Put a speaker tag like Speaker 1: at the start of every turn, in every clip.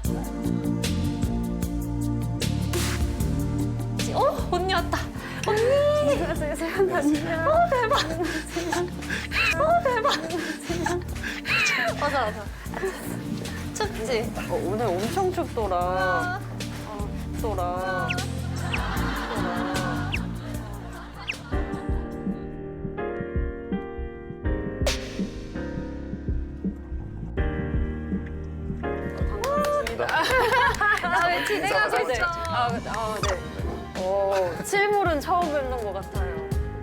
Speaker 1: 언니 왔다. 언니. 안녕. 대박. 대박. 맞아. 춥지?
Speaker 2: 오늘 엄청 춥더라. 춥더라.
Speaker 1: 저희 진행하고 있어.
Speaker 2: 네. 실물은 처음 뵙는 것 같아요.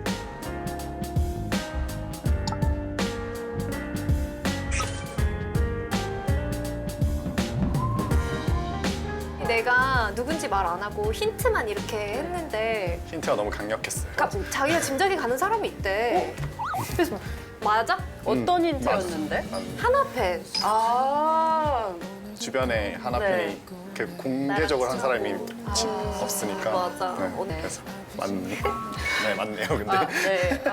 Speaker 1: 내가 누군지 말 안 하고 힌트만 이렇게 했는데
Speaker 3: 힌트가 너무 강력했어요.
Speaker 1: 자기가 짐작이 가는 사람이 있대. 그래서 맞아?
Speaker 2: 어떤 힌트였는데?
Speaker 3: 맞아.
Speaker 1: 하나팬.
Speaker 3: 주변에 하나팬이 그 공개적으로 한 사람이 없으니까.
Speaker 1: 맞아.
Speaker 3: 네,
Speaker 1: 네.
Speaker 3: 그래서 맞네. 네, 맞네요. 근데
Speaker 2: 네.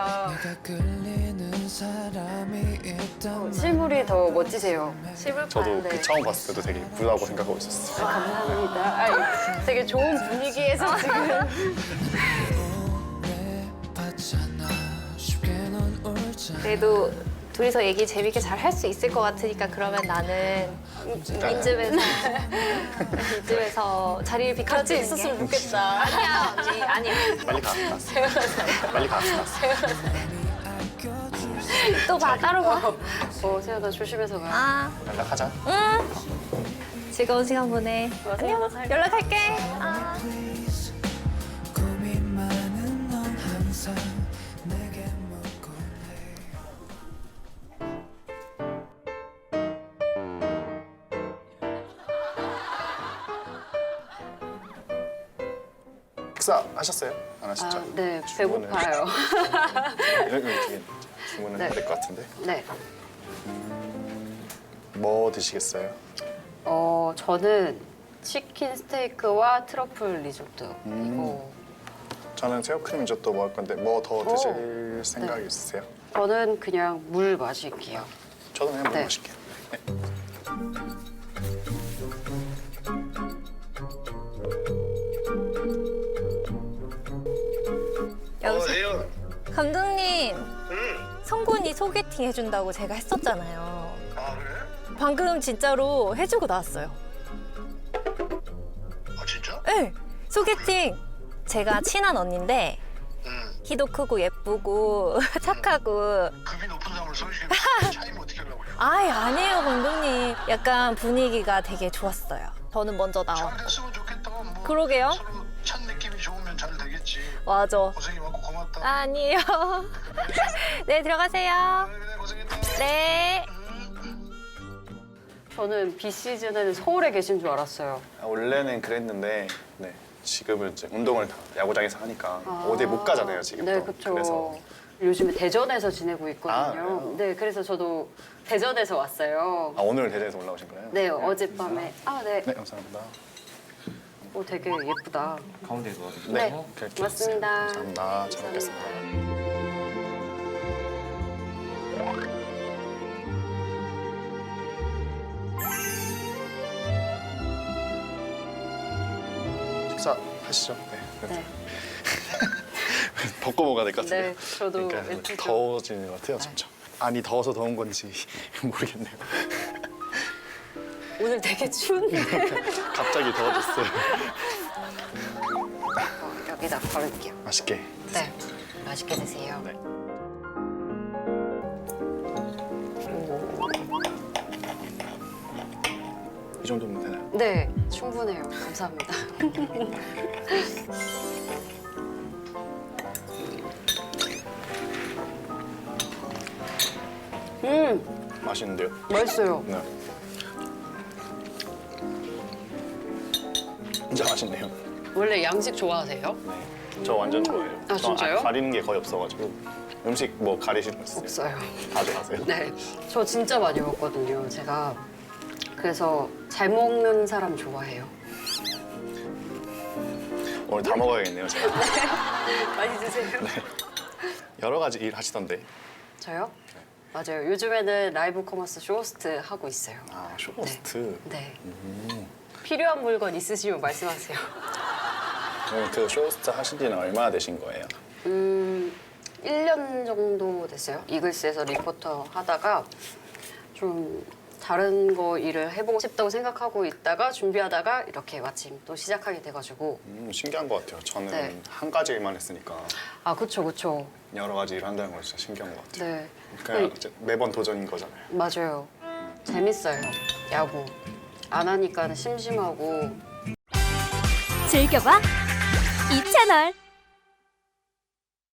Speaker 2: 실물이 더 멋지세요.
Speaker 1: 실물판.
Speaker 3: 저도
Speaker 1: 네.
Speaker 3: 그 처음 봤을 때도 되게 부다고 생각하고 있었어요.
Speaker 2: 감사합니다. 되게 좋은 분위기에서 지금.
Speaker 1: 그래도 둘이서 얘기 재밌게 잘 할 수 있을 것 같으니까 그러면 나는 이쯤에서 자리를 비켜주는
Speaker 2: 같이 있었으면 좋겠다.
Speaker 1: 아니야 언니 아니야.
Speaker 3: 빨리 가. 빨리 가.
Speaker 1: 또 봐 따로 봐.
Speaker 2: 세연아 조심해서 가.
Speaker 1: 아
Speaker 3: 연락하자.
Speaker 1: 즐거운 시간 보내. 안녕. 연락할게. 아.
Speaker 3: 식사 하셨어요? 안 하셨죠?
Speaker 2: 네,
Speaker 3: 주문을-
Speaker 2: 배고파요.
Speaker 3: 여기 주문을
Speaker 2: 네.
Speaker 3: 해야 될 것 같은데.
Speaker 2: 네.
Speaker 3: 뭐 드시겠어요?
Speaker 2: 저는 치킨 스테이크와 트러플 리조트. 이거.
Speaker 3: 저는 새우크림 리조또 먹을 건데 뭐 더 드실 생각 있으세요?
Speaker 2: 저는 그냥 물 마실게요.
Speaker 3: 저도 그냥
Speaker 2: 네.
Speaker 3: 뭐 마실게요. 네.
Speaker 1: 여보세요. 감독님,
Speaker 4: 응.
Speaker 1: 성군이 소개팅 해준다고 제가 했었잖아요.
Speaker 4: 아 그래?
Speaker 1: 방금 진짜로 해주고 나왔어요.
Speaker 4: 아 진짜?
Speaker 1: 네, 소개팅. 제가 친한 언니인데
Speaker 4: 응.
Speaker 1: 키도 크고 예쁘고 착하고.
Speaker 4: 급이 높은 사람을 소개시켜 차이면 어떻게 하려고 그래?
Speaker 1: 아이 아니에요 감독님. 약간 분위기가 되게 좋았어요. 저는 먼저 나와.
Speaker 4: 잘 됐으면 좋겠다. 뭐
Speaker 1: 그러게요.
Speaker 4: 서로 찬 느낌이 좋으면 잘 되겠지.
Speaker 1: 맞아.
Speaker 4: 고생이 많고 고맙다.
Speaker 1: 아니에요. 네 들어가세요.
Speaker 4: 그래 고생했다.
Speaker 1: 네.
Speaker 2: 저는 비시즌에는 서울에 계신 줄 알았어요.
Speaker 3: 원래는 그랬는데 네. 지금은 이제 운동을 다 야구장에서 하니까 어디 못 가잖아요 지금.
Speaker 2: 네,
Speaker 3: 또.
Speaker 2: 그렇죠.
Speaker 3: 그래서
Speaker 2: 요즘에 대전에서 지내고 있거든요.
Speaker 3: 아, 그래요?
Speaker 2: 네, 그래서 저도 대전에서 왔어요.
Speaker 3: 오늘 대전에서 올라오신 거예요?
Speaker 2: 네, 어젯밤에. 네.
Speaker 3: 네, 감사합니다.
Speaker 2: 되게 예쁘다.
Speaker 5: 가운데 넣어주세요.
Speaker 2: 네,
Speaker 3: 그렇게
Speaker 2: 맞습니다.
Speaker 3: 해주세요. 감사합니다. 잘 먹겠습니다. 식사 하시죠. 네.
Speaker 2: 네.
Speaker 3: 벗고 먹어야 될 것 같은데.
Speaker 2: 네, 저도
Speaker 3: 그러니까
Speaker 2: 예쁘죠.
Speaker 3: 더워지는 것 같아요, 점점. 아니 더워서 더운 건지 모르겠네요.
Speaker 2: 오늘 되게 추운데.
Speaker 3: 갑자기 더워졌어요.
Speaker 2: 여기다 버릴게요.
Speaker 3: 맛있게.
Speaker 2: 네, 맛있게 드세요.
Speaker 3: 네. 이 정도면 되나요?
Speaker 2: 네, 충분해요. 감사합니다.
Speaker 3: 맛있는데요?
Speaker 2: 맛있어요.
Speaker 3: 네. 진짜 맛있네요.
Speaker 2: 원래 양식 좋아하세요?
Speaker 3: 네. 저 완전 좋아해요.
Speaker 2: 아, 진짜요?
Speaker 3: 가리는 게 거의 없어가지고 음식 뭐 가리시는 거 있어요?
Speaker 2: 없어요.
Speaker 3: 다들 하세요?
Speaker 2: 네, 저 진짜 많이 먹거든요. 제가 그래서 잘 먹는 사람 좋아해요.
Speaker 3: 오늘 다 먹어야겠네요, 제가.
Speaker 2: 많이 드세요.
Speaker 3: 여러 가지 일 하시던데.
Speaker 2: 저요? 맞아요. 요즘에는 라이브 커머스 쇼호스트 하고 있어요.
Speaker 3: 아, 쇼호스트.
Speaker 2: 네. 필요한 물건 있으시면 말씀하세요.
Speaker 3: 그럼 그 쇼호스트 하신 지는 얼마나 되신 거예요?
Speaker 2: 1년 정도 됐어요. 이글스에서 리포터 하다가 좀 다른 거 일을 해보고 싶다고 생각하고 있다가 준비하다가 이렇게 마침 또 시작하게 돼가지고.
Speaker 3: 신기한 것 같아요. 저는
Speaker 2: 네.
Speaker 3: 한 가지 일만 했으니까
Speaker 2: 아, 그쵸.
Speaker 3: 여러 가지 일 한다는 건 진짜 신기한 것 같아요.
Speaker 2: 네.
Speaker 3: 그냥 이제 매번 도전인 거잖아요.
Speaker 2: 맞아요. 재밌어요. 야구. 안 하니까 심심하고.
Speaker 5: 즐겨봐 이 채널.